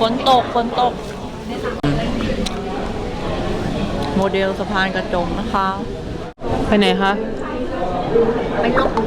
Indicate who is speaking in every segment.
Speaker 1: ฝนตกโมเดลสะพานกระจกนะคะไปไหนคะ
Speaker 2: ไปลง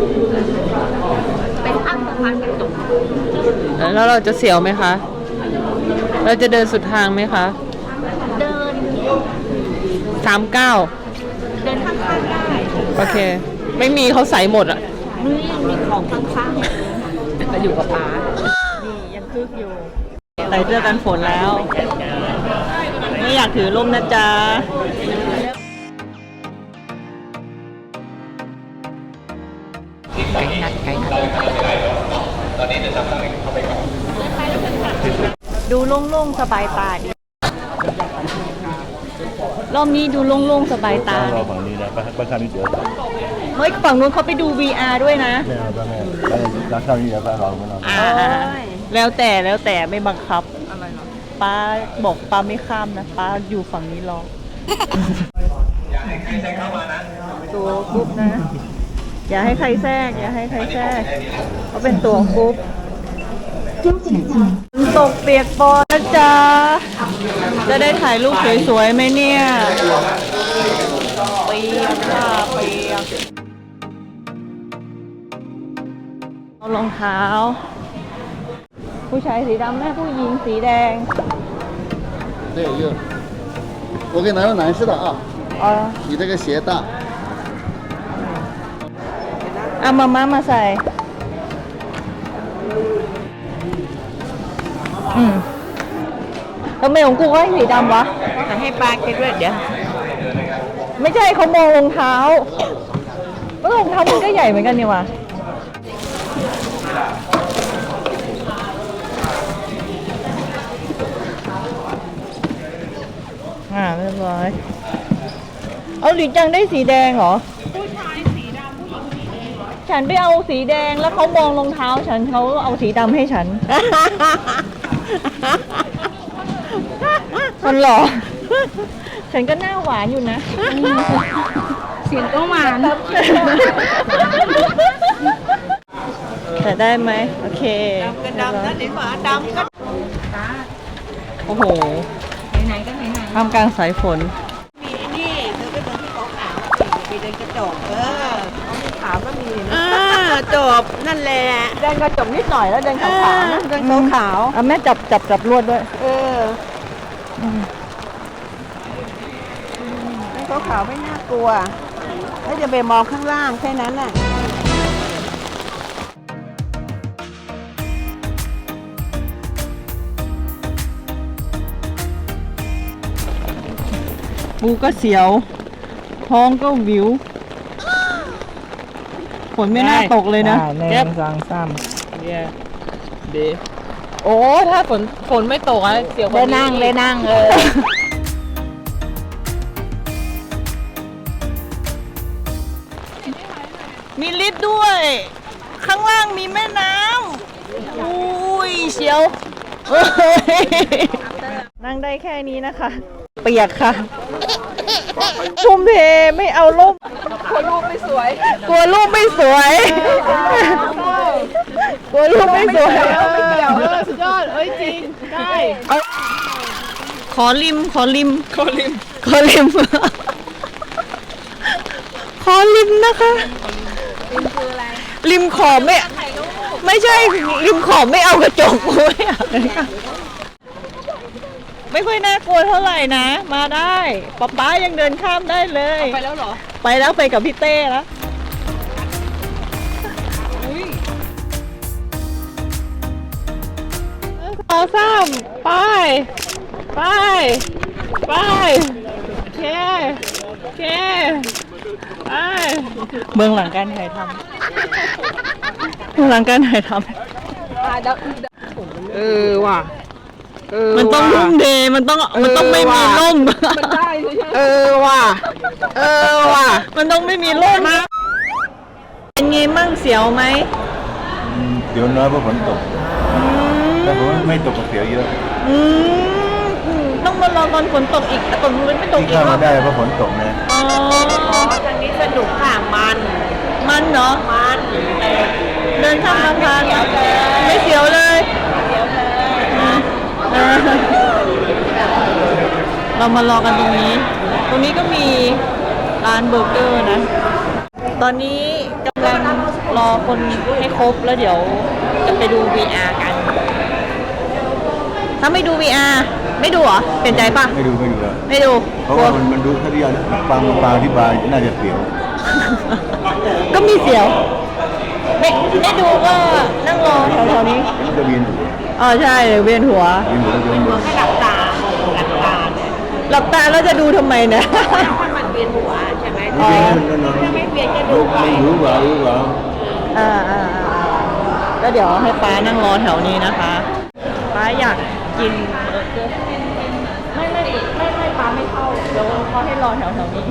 Speaker 2: ไปข้างสะพานกระจก
Speaker 1: แล้วเราจะเสียวไหมคะเราจะเดินสุดทางไหมคะ
Speaker 2: เดิน
Speaker 1: 39
Speaker 2: เดินข้างๆได้
Speaker 1: โอเคไม่มีเขาใส่หมดอ่ะ
Speaker 2: นี่ยังมีของข้างๆก็อยู่กับป้า
Speaker 1: นี่ยังคึกอยู่ใส่เสื้อกันฝนแล้วไม่อยากถือร่มนะจ๊ะ
Speaker 2: ไก่นัด
Speaker 3: ตอนนี้จะทำอะไรเข้าไปก่อน
Speaker 1: ดูโล่งๆสบายตาดีรอบนี้ดูโล่งๆสบายตา
Speaker 3: เราฝั่งนี้นะบ้านข้างนี้เดี๋ยว
Speaker 1: เฮ้ยฝั่งนู้นเขาไปดู VR ด้วยนะ
Speaker 3: ไม่เอาไม่ร้านข้างนี้เดี๋ยวบ้านเราไม่เอา
Speaker 1: แล้วแต่ไม่บังคับอะไรหรอป้าบอกป้าไม่ข้ามนะป้าอยู่ฝั่งนี้รออย่าให้ใครแทรกเข้ามานะตัวกรุ๊ปนะอย่าให้ใครแทรกเขาเป็นตัวกรุ๊ปตกเปียกปอนนะจ๊ะจะได้ถ่ายรูปสวยๆไหมเนี่ยเปียกค่ะเปียกเอารองเท้าผู้ชายสีดำแม่ผู้หญิงสีแดง
Speaker 3: 对有我给你拿个男士的啊你这个鞋大
Speaker 1: เอามาใส่ทำไมของกูก็ให้สีดำวะจะให้ปลาคิดด้วยเดี๋ยวไม่ใช่เขามองรองเท้ารองเท้ามันก็ใหญ่เหมือนกันนี่วะเรียบร้อยเอาหลีจังได้สีแดงเหรอผู้ชายสีดำผู้หญิงสีแดงฉันไปเอาสีแดงแล้วเขามองรองเท้าฉันเขาเอาสีดำให้ฉันมันหรอฉันก็หน้าหวานอยู่นะ
Speaker 2: เสียงก็หวาน
Speaker 1: แต่ได้ไหมโอเค
Speaker 2: ดำนะเดี๋ยวหมาดำก็
Speaker 1: โอ้โห
Speaker 2: ไหนก็ไหน
Speaker 1: ท่ามกลางสายฝน
Speaker 2: มีนี่เธอไปเดินที่เขาขาวไปเดินกระจกเขามีขาวก็มีจบนั่นแหละ
Speaker 1: เดินกระจกนิดหน่อยแล้วเดินขาวนะ
Speaker 2: เดินขาว
Speaker 1: แม่จับลวดด้วย
Speaker 2: เดินขาวไม่น่ากลัวแล้วจะไปมองข้างล่างแค่นั้นน่ะ
Speaker 1: ปูก็เสียวท้องก็วิวฝนไม่น่าตกเลยนะ
Speaker 4: แก้มสางซ้ำ
Speaker 1: เนี่ยเดโอ้ถ้าฝนไม่ตกอะเสียว
Speaker 2: เลยนั่ง
Speaker 1: มีลิฟต์ด้วยข้างล่างมีแม่น้ำอุ้ยเชียวนั่งได้แค่นี้นะคะเปียกค่ะทุ่มเทไม่เอารูปกลัวรูปไม่สวยกลัวรูปไม่สวยสุดยอดจริงได้ขอริมนะคะริมคืออะไรริมขอบไม่ใช่ริมขอบไม่เอากระจกไม่ค่อยน่ากลัวเท่าไหร่นะมาได้ป๊ายังเดินข้ามได้เลยไปแล้วเหรอไปแล้วไปกับพี่เต้แล้วเอาซ้ำไปเคเบื้องหลังการถ่ายทำว่ะมันต้องร่มเดย์มันต้องไม่มีร่มมันได้ใช่ไหมว่ะมันต้องไม่มีร่มเป็นไงมั่งเสียวไหม
Speaker 3: เดี๋ยวน้อยเพราะฝนตกแต่ผมไม่ตกก็เสียวเยอะ
Speaker 1: ต้องมารอตอนฝนตกอีกแต่ฝนไม่ตกอีก
Speaker 3: ที่เข้ามาได้เพราะฝนตกนะ
Speaker 2: ทางนี้สนุกค่ะ
Speaker 1: มันเนาะเดินข้ามสะพานไม่เสียวเลยเรามารอกันตรงนี้ ตรงนี้ก็มีร้านเบอร์เกอร์นะ ตอนนี้กำลังรอคนให้ครบแล้วเดี๋ยวจะไปดู VR กัน ถ้าไม่ดู VR ไม่ดูเหรอ เปลี่ยนใจปะ
Speaker 3: ไม่ดูแล้ว
Speaker 1: ไม่ดู
Speaker 3: เพราะว่ามันดูถ้าที่ฟังที่บาร์น่าจะเปลี่ยว
Speaker 1: ก็มีเสียวไม่ดูก็นั่งรอแถวๆนี้
Speaker 3: มันจะเวียนหัว
Speaker 1: อ๋อใช่เวียนหัว
Speaker 3: เวียนหัวแล้วจะเวียนหัว
Speaker 2: ให้หลับตาหลับตาเนี่ย
Speaker 1: หลับตาแล้วจะดูทำไมเนี่ย
Speaker 2: ถ้ามันเวียนหัวใช่ไหม
Speaker 3: มันเวียนหัว
Speaker 2: ถ้าไม่เวียนจะดูไป
Speaker 3: มันรู้เปล่า
Speaker 1: ก็เดี๋ยวให้ป้านั่งรอแถวนี้นะคะป้าอยากกินเบอร์เกอร์ไม่ป้าไม่เข้าเดี๋ยวเขาให้รอแถวนี้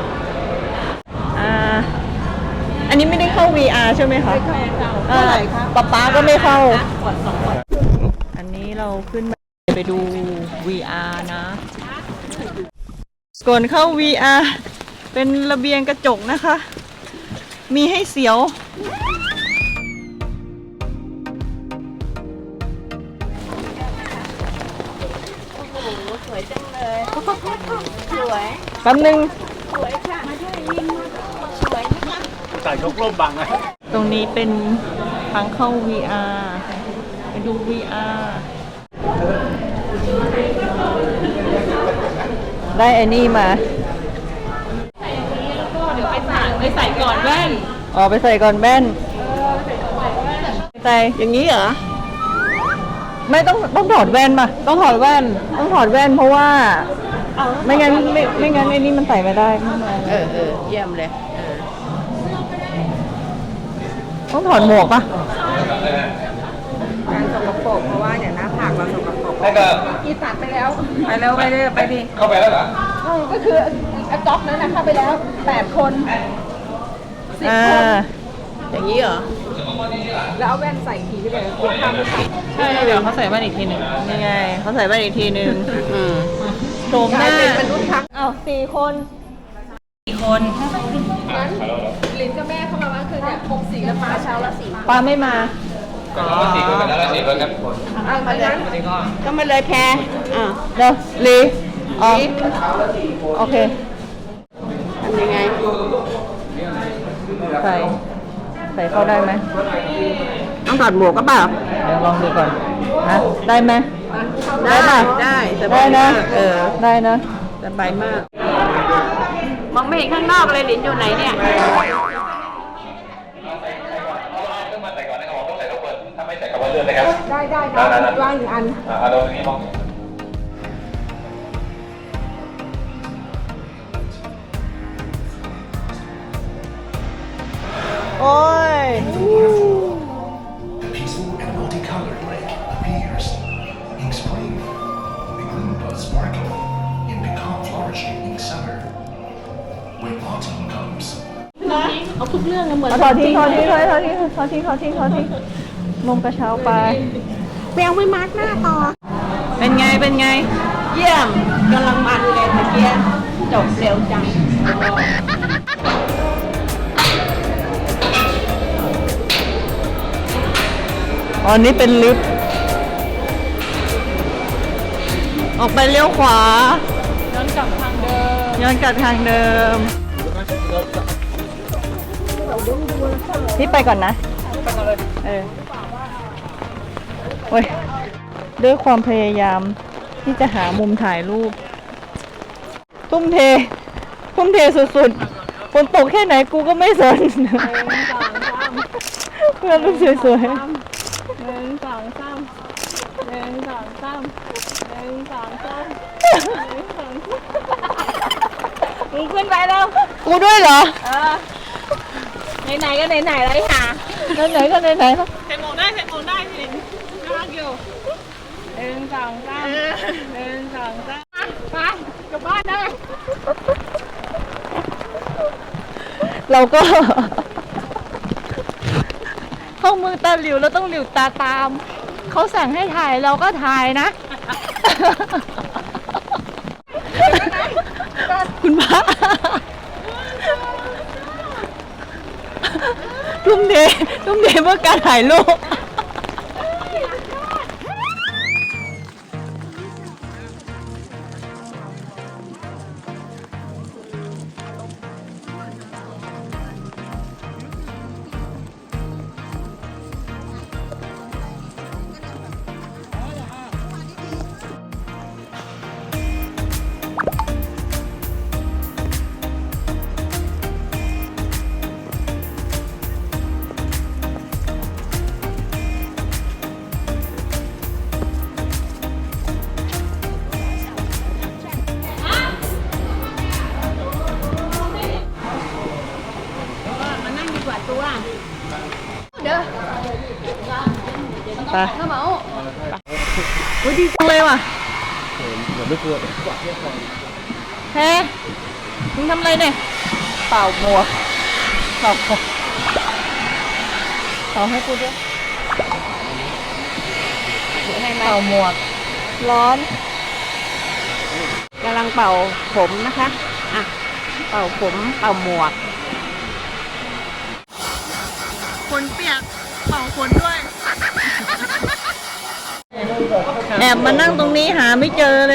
Speaker 1: อันนี้ไม่ได้เข้า VR ใช่ไหมคะเท่าไหร่คะป้าก็ไม่เข้า อันนี้เราขึ้นไปดู VR นะก่อนเข้า VR เป็นระเบียงกระจกนะคะ มีให้เสียว
Speaker 2: สวยจังเลยสวย
Speaker 1: แป๊บนึง
Speaker 2: สวยค่ะมาด้วยวินสวยนะคะ
Speaker 3: ใส่ชกร่มบังไง
Speaker 1: ตรงนี้เป็นทางเข้า VR ไปดู VR ได้ไอ้นี่มาเดี๋ยวไปใส่ก่อนแว่นอ๋อไปใส่ก่อนแว่นใส่อย่างนี้เหรอไม่ต้องถอดแว่นป่ะต้องถอดแว่นเพราะว่าไม่งั้นไอ้นี่มันใส่ไม่ได้ข้างใน
Speaker 2: เยี่ยมเลย
Speaker 1: ต้องถอดหมวกป่ะ
Speaker 2: การสกปรกเพราะว่าอย่างหน้าผากเราสกปรกกีตัดไปแล้วไปดิ
Speaker 3: เข้าไปแล้วเหรอ
Speaker 2: ก็คือก๊อกนั้นนะเข้าไปแล้ว8 คน อย่างนี้เหรอแล้วเอาแว่นใส่ทีก็ได้กลัวข้ามไม่ทัน
Speaker 1: ใช่เดี๋ยวเขาใส่แว่นอีกทีหนึ่งนี่ไงเขาใส่แว่นอีกทีหนึ่งโฉมหน้า
Speaker 2: เป็นมนุษย์ทั้ง
Speaker 1: อ้าว4 คน
Speaker 2: ลินกับแม่เข้ามาว่าคือเนี่ย6 สีแล้วมาเช้าละ4
Speaker 1: ปาไม่มา
Speaker 3: 4 คนแล้ว4 คนครับ
Speaker 2: เอามาเลยก็มาเลยแพร
Speaker 1: เดี๋ยวลีอ๋อโอเค
Speaker 2: ทำยังไง
Speaker 1: ใส่เข้าได้ไหม
Speaker 2: ต้องถอดหมวกก็เปล่า
Speaker 1: เดี๋ยวลองดูก่อนฮะได้ไหม
Speaker 2: ได้
Speaker 1: ป่ะ
Speaker 2: ได้ส
Speaker 1: ได้
Speaker 2: บาย
Speaker 1: นะ
Speaker 2: มาก
Speaker 1: ได้นะ
Speaker 2: สบายมาก มองไม่เห็นข้างนอกเลยลินอยู่ไหนเนี่ย
Speaker 3: ต้องมาใส่ก่อนนะครับต้องใส่ต้องเปิดถ้าไม่ใส่กับว่าเลื่อนเลยครับ
Speaker 2: ได้วางอยู่อัน
Speaker 3: เอาตรงนี้มอง
Speaker 1: โอ้ย
Speaker 5: The peaceful and multicolored lake appears in spring. The green buds sparkle and become flourishing in summer. When autumn comes,
Speaker 1: เอาถอดทิ้งนมกระเช้าไป
Speaker 2: แปลงไม่มาร์กหน้าต่อ
Speaker 1: เป็นไง
Speaker 2: เยี่ยมกำลังมันเลยเมื่อกี้จบเร็วจัง
Speaker 1: อ๋อนี่เป็นลิฟต์ออกไปเลี้ยวขวาย้อนกลับทางเดิมนี่ไปก่อนนะโอ้ยด้วยความพยายามที่จะหามุมถ่ายรูปทุ่มเทสุดๆฝนตกแค่ไหนกูก็ไม่สนเพื่อนรูปสวยๆ
Speaker 2: มึงขึ้นไปแล้ว
Speaker 1: กูด้วยเหรอ
Speaker 2: ไหนๆก็ไหนๆเลยค่ะ
Speaker 1: ไหนๆก็ไหนๆแล้ว
Speaker 2: ใส่หมวกได้พี่ลินน่ารักอยู่1 2 3ไปกลับบ้านได้
Speaker 1: เราก็ เข้ามือตาหลิวเราต้องหลิวตาตามเขาสั่งให้ถ่ายเราก็ถ่ายนะ คุณพระทุ่มเทเพื่อการถ่ายรูปไปอุ้ยดีจังเลยว่ะเฮ้มึงทำอะไรเนี่ยเป่าหมวกเป่าให้กูด้วยเป่าหมวกร้อน
Speaker 2: กำลังเป่าผมนะคะ อ่ะ เป่าผม เป่าหมวก
Speaker 1: ฝนเปียกเป่าฝนด้วย แอบมานั่งตรงนี้หาไม่เจอเลย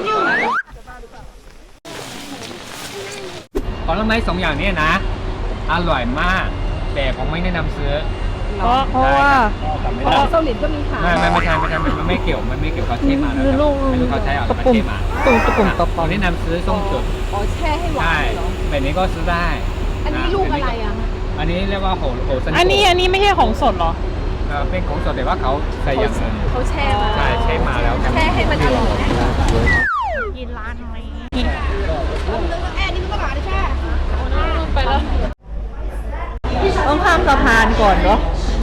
Speaker 4: ผลไม้2 อย่างนี้นะ อร่อยมาก แต่ผมไม่แนะนำซื้อ
Speaker 1: เพราะว่า
Speaker 2: เกาหลีก็มีขาย
Speaker 4: ไม่ใช่มันไม่เกี่ยวเขาเทมาแล้ว
Speaker 1: คือลูก
Speaker 4: ไม่รู้เขาใช้เอา
Speaker 1: ตะ
Speaker 4: มา
Speaker 1: ปุ่ม
Speaker 4: เทมา
Speaker 1: ตะปุ่มตะ
Speaker 4: ผ
Speaker 1: ปอ
Speaker 4: มแนะนำซื้อส้มจุด
Speaker 2: อ๋อแช่ให้หวา
Speaker 4: ใช่
Speaker 2: นเหรอ
Speaker 4: แบบนี้ก็ซื้อได้
Speaker 2: อันนี้ลูกอะไรอ่ะ
Speaker 4: อันนี้เรียกว่าโหสัน
Speaker 1: อันนี้ไม่ใช่ของสดเหรอ
Speaker 4: เป็นของสดแต่ว่าเขาใส่อย่างอื่น
Speaker 2: เขาแช่มา
Speaker 4: ใช่ใช้มาแล้ว
Speaker 2: แช่ให้มันอร่อย
Speaker 1: กินร้านอะไร
Speaker 2: แอนนี่มันก็หาได้แช่
Speaker 1: ไปแล้ว ต้องข้ามสะพานก่อนเนาะ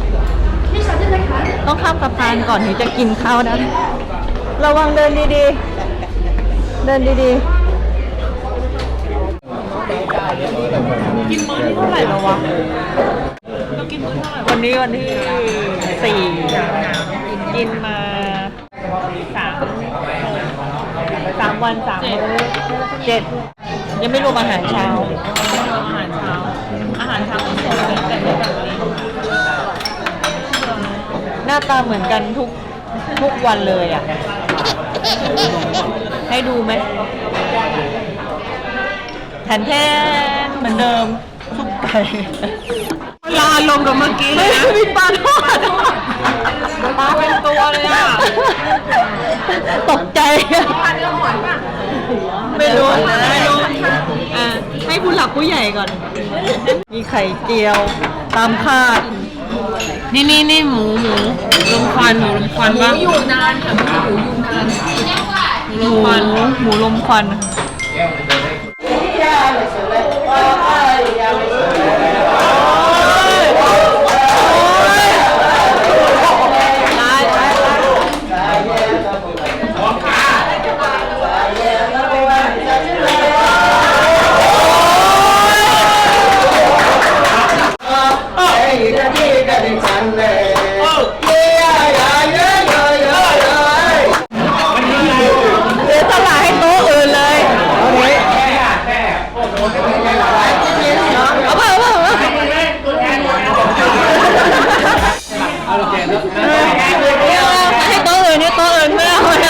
Speaker 1: ต้องข้ามสะพานก่อนถึงจะกินข้าวนะระวังเดินดีๆ เดินดีๆ กินมื้อที่เท่าไหร่แล้ววะวันนี้วันที่4กินมา3 วัน3 มื้อ7ยังไม่รวมอาหารเช้าหน้าตาเหมือนกันทุกวันเลยอ่ะ ให้ดูไหมแทนเหมือนเดิมซุปไก่ลาลงกับเมื่อกี้ไม่มีปลาทอดปลาเป็นตัวเลยอ่ะ ตกใจไม่รู้ให้ผู้หลักผู้ใหญ่ก่อน มีไข่เจียวตามคาด นี่หมูลมควันปะอยู่นานค่ะหมูลมควันให้โต๊ะอื่นไม่เอาเลย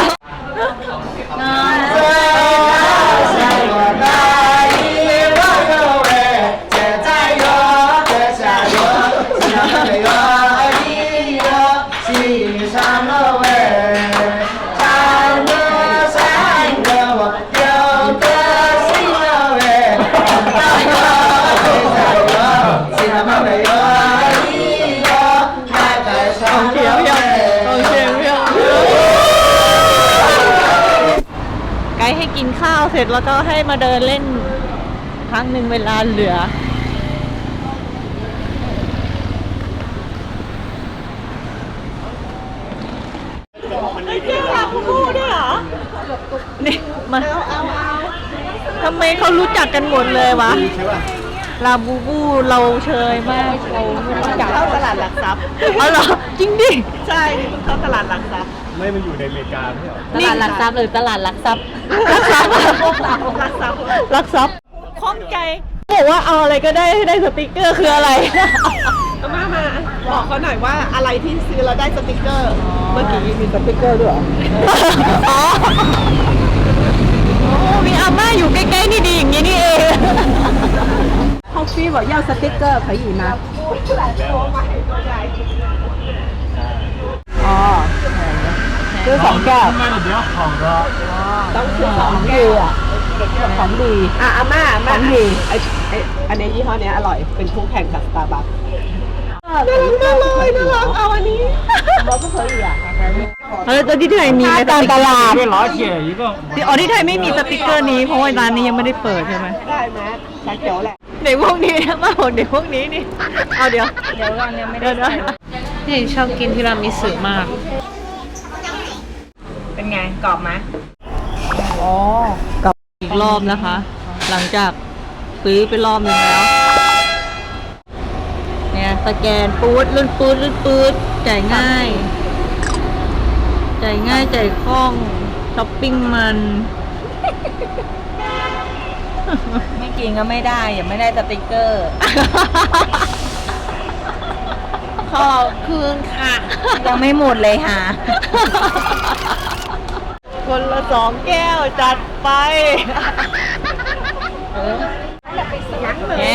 Speaker 1: ไกด์ให้กินข้าวเสร็จแล้วก็ให้มาเดินเล่นครั้งหนึ่งเวลาเหลือเจ้าลาบูบูด้วยเหรอนี่มาทำไมเขารู้จักกันหมดเลยวะลาบูบูเราเชยมากเราไม่รู้จักเข้าตลาดหลักทรัพย์อ๋อเหรอจริงดิใช่เข้าตลาดหลักทรัพย์ไม่มาอยู่ในอเมริกาไม่เหรอตลาดหลักทรัพย์หรือตลาดหลักทรัพย์หลักทรัพย์ข้องใจบอกว่าเอาอะไรก็ได้ให้ได้สติกเกอร์คืออะไร
Speaker 2: มาบอกเขาหน่อยว่าอะไรที่ซื้อแล้วได้สติกเกอร์ เมื่อกี้มีสติกเกอร์ด้วยเหรอ
Speaker 1: อ๋อมีอาม่าอยู่ใกล้ๆนี่ดีอย่างนี้นี่เอง
Speaker 2: เขาฟี่บอก要สติกเกอร์可以吗อ๋อซื้อ2 แก้วต้องซื้อ2 แก้วอ่ะของดีอาม่าของดีอันนี้ยี่ห้อนี้อร่อยเป็นคู่แข่งกับสตาร์บัคน่ารักเอาอันนี้บอกก็เคยอ่ะ
Speaker 1: ตัวที่ไทยมีตามตลาด
Speaker 4: 老铁一个
Speaker 1: อ๋อที่ไทยไม่มีสติกเกอร์นี้เพราะว่าร้านนี้ยังไม่ได้เปิดใช่ไหม
Speaker 2: ได้ไหมชาเขียวแหละ
Speaker 1: เด็กพวกนี้มาบอกเด็กพวกนี้นี่เอาเดี๋ยววันยังไม่ได้
Speaker 2: นี่ชอบกินทีรามิสุมาก เป็นไงกรอบไหม
Speaker 1: อ๋อกับอีกรอบนะคะ หลังจากซื้อไปรอบหนึงแล้ว เนี่ยสแกนปูดลื่นปืดลื่นปืดจ่ายง่าย จ่ายง่ายจ่ายคล่องช้อปปิ้งมัน ไม่กินก็ไม่ได้อย่าไม่ได้สติกเกอร์
Speaker 2: ขอบคุณค่ะ
Speaker 1: ยังไม่หมดเลยค่ะ คนละ2 แก้วจัดไปแหม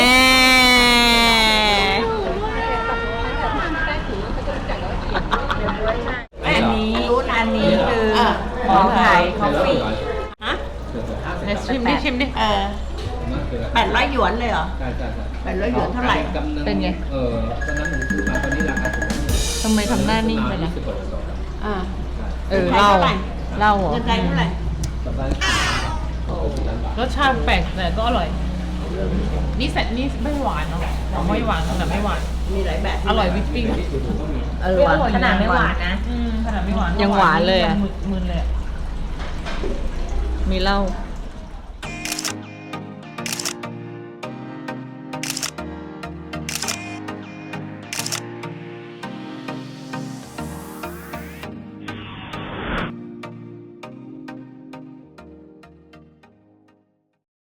Speaker 1: อันนี้คือหอมไข่คอฟฟี่
Speaker 2: ชิมดิชิมดิ
Speaker 1: 800 หยวนเลยเหรอ
Speaker 4: ใช่ใช่ใช่
Speaker 1: 800 หยวนเท่าไหร่
Speaker 2: เป็นไง
Speaker 4: ตอนนั้นผมซื้อมาตอนนี้ราคาถูก
Speaker 1: ทำไมทำหน้านิ่งไปล่ะ
Speaker 4: 20 กว่าบาท
Speaker 1: เล่าเหรอ
Speaker 2: เงินไทยเท่าไหร่
Speaker 4: สัปดาห์
Speaker 2: รสชาติแปลกแต่ก็อร่อย นี่ไม่หวานเนาะไม่หวานขนาดไม่หวาน
Speaker 1: มีหลายแบบ
Speaker 2: อร่อยวิปปิ้ง
Speaker 1: หวานขนาดไม่หวานนะ
Speaker 2: ขนาดไม่หวาน
Speaker 1: ยังหวานเลยอะ
Speaker 2: มึนเลยอะ
Speaker 1: มีเหล้า